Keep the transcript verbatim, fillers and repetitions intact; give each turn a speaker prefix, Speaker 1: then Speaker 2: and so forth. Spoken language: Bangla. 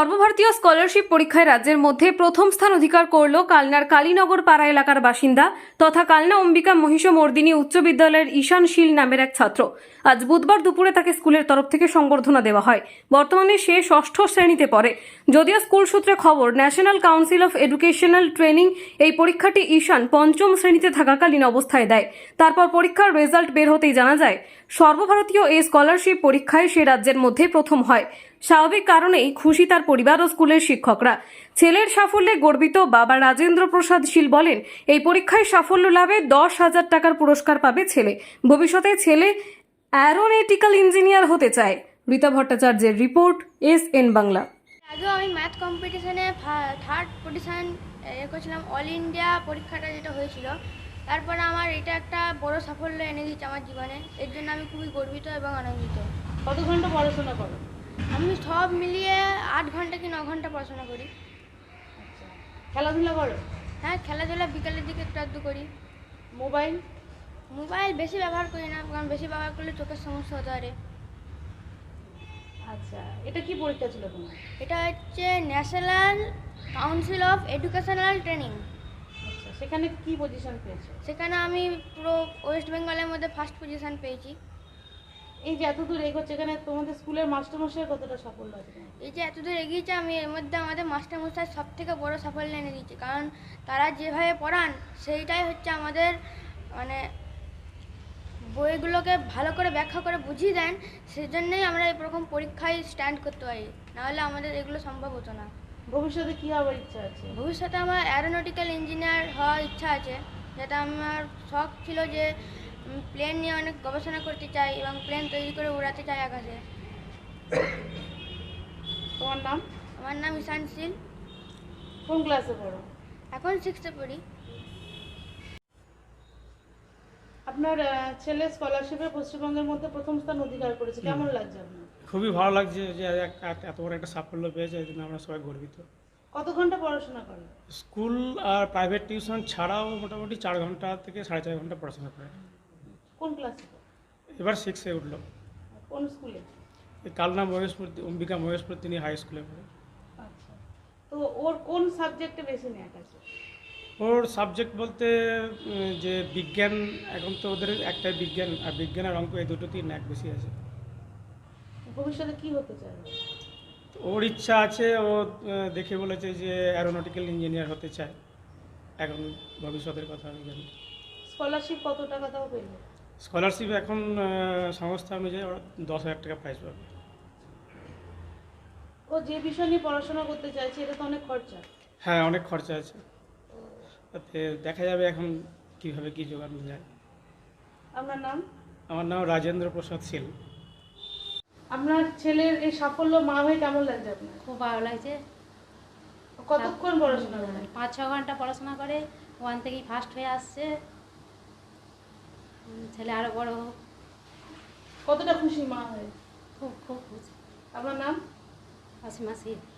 Speaker 1: সর্বভারতীয় স্কলারশিপ পরীক্ষায় রাজ্যের মধ্যে প্রথম স্থান অধিকার করল কালনার কালীনগর পাড়া এলাকার বাসিন্দা তথা কালনা অম্বিকা মহিষমর্দিনী উচ্চ বিদ্যালয়ের ঈশান শীল নামের এক ছাত্র। আজ বুধবার দুপুরে তাকে স্কুলের তরফ থেকে সংবর্ধনা দেওয়া হয়। বর্তমানে সে ষষ্ঠ শ্রেণীতে পড়ে। যদিও স্কুল সূত্রে খবর, national council of educational training এই পরীক্ষাটি ঈশান পঞ্চম শ্রেণীতে থাকাকালীন অবস্থায় দেয়। তারপর পরীক্ষার রেজাল্ট বের হতেই জানা যায় সর্বভারতীয় এই স্কলারশিপ পরীক্ষায় সে রাজ্যের মধ্যে প্রথম হয়। স্বাভাবিক কারণেই খুশি তার পরিবার ও স্কুলের শিক্ষকরা। ছেলের সাফল্যে গর্বিত বাবা রাজেন্দ্র প্রসাদ শীল বলেন, এই পরীক্ষায় সাফল্য লাভে দশ হাজার টাকার পুরস্কার পাবে ছেলে। ভবিষ্যতে ছেলে অ্যারোনটিক্যাল ইঞ্জিনিয়ার হতে চায়। রীতা ভট্টাচার্যের রিপোর্ট, এস এন বাংলা।
Speaker 2: আগেও আমি ম্যাথ কম্পিটিশনে থার্ড পজিশন এ করেছিলাম, অল ইন্ডিয়া পরীক্ষাটা যেটা হয়েছিল। তারপরে আমার এটা একটা বড় সাফল্য এনে দিচ্ছে আমার জীবনে। এর জন্য আমি খুবই গর্বিত এবং আনন্দিত।
Speaker 3: কত ঘন্টা পড়াশোনা করো?
Speaker 2: আমি সব মিলিয়ে আট ঘন্টা কি ন ঘন্টা পড়াশোনা করি।
Speaker 3: আচ্ছা, খেলাধুলা করো?
Speaker 2: হ্যাঁ, খেলাধুলা বিকালের দিকে একটু আধটু করি।
Speaker 3: মোবাইল?
Speaker 2: মোবাইল বেশি ব্যবহার করি না, কারণ বেশি ব্যবহার করলে চোখের সমস্যা হতে পারে।
Speaker 3: আচ্ছা, এটা কি পরীক্ষা ছিল তোমার?
Speaker 2: এটা হচ্ছে national council of educational training.
Speaker 3: আচ্ছা, সেখানে কি পজিশন পেয়েছো?
Speaker 2: সেখানে আমি পুরো ওয়েস্ট বেঙ্গলের মধ্যে ফার্স্ট পজিশন পেয়েছি।
Speaker 3: এই যে এত দূর এগোচ্ছে, এখানে তোমাদের স্কুলের মাস্টারমশাই কতটা সাফল্য আছে?
Speaker 2: এই যে এতদূর এগিয়েছে, আমি এর মধ্যে আমাদের মাস্টারমশাই সব থেকে বড়ো সাফল্য এনে দিয়েছে। কারণ তারা যেভাবে পড়ান সেইটাই হচ্ছে আমাদের, মানে বইগুলোকে ভালো করে ব্যাখ্যা করে বুঝিয়ে দেন। সেজন্যই আমরা এরকম পরীক্ষায় স্ট্যান্ড করতে পারি, নাহলে আমাদের এগুলো সম্ভব হতো না।
Speaker 3: ভবিষ্যতে কি হওয়ার ইচ্ছা আছে?
Speaker 2: ভবিষ্যতে আমার অ্যারোনটিক্যাল ইঞ্জিনিয়ার হওয়ার ইচ্ছা আছে। যেটা আমার শখ ছিল যে প্লেন নিয়ে অনেক গবেষণা করতে চাই এবং প্লেন তৈরি করে উড়াতে চাই আকাশে।
Speaker 3: তোমার নাম?
Speaker 2: আমার নাম ঈশান শীল।
Speaker 3: কোন ক্লাসে পড়ো?
Speaker 2: এখন সিক্সে পড়ি।
Speaker 3: আপনার আহ, ছেলে স্কলারশিপে পশ্চিমবঙ্গের মধ্যে প্রথম স্থান অধিকার করেছে, কেমন লাগছে আপনার?
Speaker 4: খুবই ভালো লাগছে যে এক- এক- এত বড় একটা সাফল্য পেয়েছে, এই জন্য আমরা সবাই গর্বিত।
Speaker 3: কত ঘন্টা পড়াশোনা করে?
Speaker 4: স্কুল আর প্রাইভেট টিউশন ছাড়াও মোটামুটি চার ঘন্টা থেকে সাড়ে চার ঘন্টা পড়াশোনা করে।
Speaker 3: কোন ক্লাসে?
Speaker 4: এবার সিক্সে উঠলো।
Speaker 3: কোন স্কুলে?
Speaker 4: এই কালনা মহেশপুর অম্বিকা মহেশপুর তিনি হাই স্কুলে পড়ে।
Speaker 3: আচ্ছা, তো ওর কোন সাবজেক্টে বেশি ন্যাক আছে?
Speaker 4: ওর সাবজেক্ট বলতে উম, যে বিজ্ঞান, এখন তো ওদের একটাই বিজ্ঞান, আর বিজ্ঞান আর অঙ্ক এই দুটোতেই ন্যাক বেশি আছে।
Speaker 3: ভবিষ্যতে কি হতে চায়?
Speaker 4: তো ওর ইচ্ছা আছে, ও আহ, দেখে বলেছে যে অ্যারোনটিক্যাল ইঞ্জিনিয়ার হতে চায়। এখন ভবিষ্যতের কথা আমি জানি।
Speaker 3: স্কলারশিপ কত টাকা তাও পেলো?
Speaker 4: স্কলারশিপ এখন আহ, সংস্থা অনুযায়ী ওরা দশ হাজার টাকা প্রাইজ পাবে।
Speaker 3: ও যে বিষয় নিয়ে পড়াশোনা করতে চাইছে এটা তো অনেক খরচা।
Speaker 4: হ্যাঁ, অনেক খরচা আছে, তাতে দেখা যাবে এখন কীভাবে কী জোগানো যায়।
Speaker 3: আপনার নাম?
Speaker 4: আমার নাম রাজেন্দ্র প্রসাদ শীল।
Speaker 3: আপনার ছেলের এই সাফল্য মা হয়ে কেমন লাগছে আপনার?
Speaker 5: খুব ভালো লাগছে।
Speaker 3: কতক্ষণ পড়াশোনা করে?
Speaker 5: পাঁচ ছ ঘন্টা পড়াশোনা করে ওয়ান থেকেই ফার্স্ট হয়ে আসছে। উম, ছেলে আরও বড় হোক।
Speaker 3: কতটা খুশি মা হয়ে?
Speaker 5: খুব খুব খুশি।
Speaker 3: আপনার নাম?
Speaker 5: অসীমা শীল।